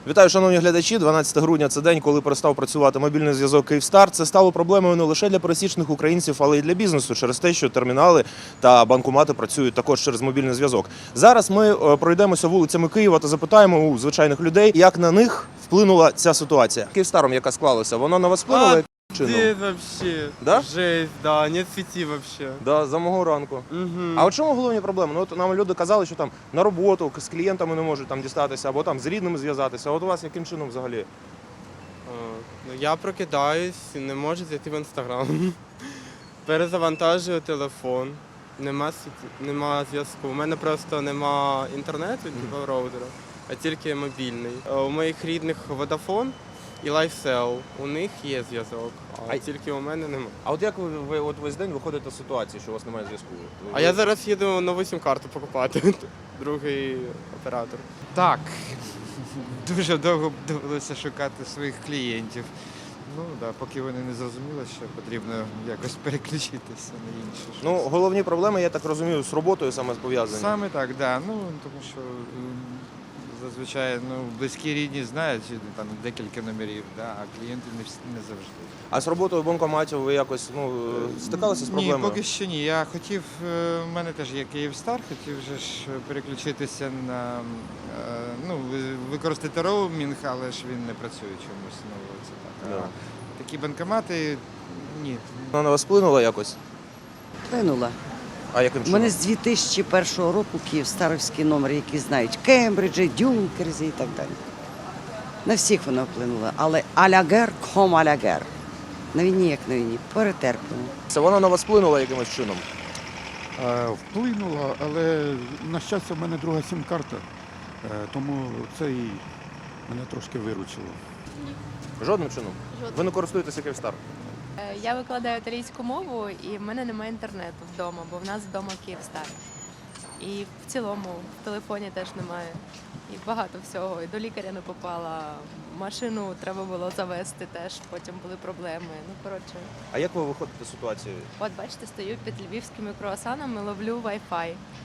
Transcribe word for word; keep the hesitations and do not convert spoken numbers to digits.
Вітаю, шановні глядачі. дванадцяте грудня – це день, коли перестав працювати мобільний зв'язок «Київстар». Це стало проблемою не лише для пересічних українців, але й для бізнесу через те, що термінали та банкомати працюють також через мобільний зв'язок. Зараз ми пройдемося вулицями Києва та запитаємо у звичайних людей, як на них вплинула ця ситуація. «Київстаром», яка склалася, вона на вас вплинула? Где вообще? Да? Жесть, да, нет сети вообще. Да, за мого ранку. Угу. А от чому головні проблеми? Ну, от нам люди казали, що там на роботу з клієнтами не можуть там дістатися, або там з рідними зв'язатися. А от у вас яким чином взагалі? Ну, я прокидаюсь, не можу зайти в інстаграм. Перезавантажую телефон. Нема сеті, нема зв'язку. У мене просто нема інтернету, mm-hmm. роутера, а тільки мобільний. У моїх рідних Vodafone і LifeSell. У них є зв'язок, а, а тільки у мене немає. А от як ви, ви от весь день виходите з ситуації, що у вас немає зв'язку? Ви... А я зараз їду нову сім-карту покупати, другий оператор. Так, дуже довго довелося шукати своїх клієнтів. Ну, да, поки вони не зрозуміли, що потрібно якось переключитися на інше. щось. Ну, головні проблеми, я так розумію, з роботою саме пов'язані. Саме так, да. Ну, тому що м, зазвичай ну, близькі рідні знають там декілька номерів, да, а клієнти не, всі- не завжди. А з роботою банкоматів ви якось ну, стикалися з проблемою? Ні, поки що ні. Я хотів, е, в мене теж є Київстар, хотів же ж переключитися на, е, ну, ви- використати роумінг, але ж він не працює чомусь. Ну, це так. Да. А такі банкомати, ні. Вона на вас вплинула якось? Вплинула. А яким У чином? мене з дві тисячі першого року Київстарівський номер, які знають Кембриджі, Дюнкерзі і так далі. На всіх вона вплинула. Але алягер ком алягер. На війні, як на війні, перетерпимо. Це вона на вас вплинула якимось чином? Е, Вплинуло, але на щастя в мене друга сім-карта, е, тому це і мене трошки виручило. Жодним чином? Жодним. Ви не користуєтеся «Київстар»? Е, Я викладаю італійську мову, і в мене немає інтернету вдома, бо в нас вдома Київстар. І в цілому в телефоні теж немає. І багато всього. І до лікаря не попала. Машину треба було завести теж, потім були проблеми. Ну, коротше, А як ви виходите з ситуації? от бачите, стою під львівськими круасанами, ловлю Wi-Fi.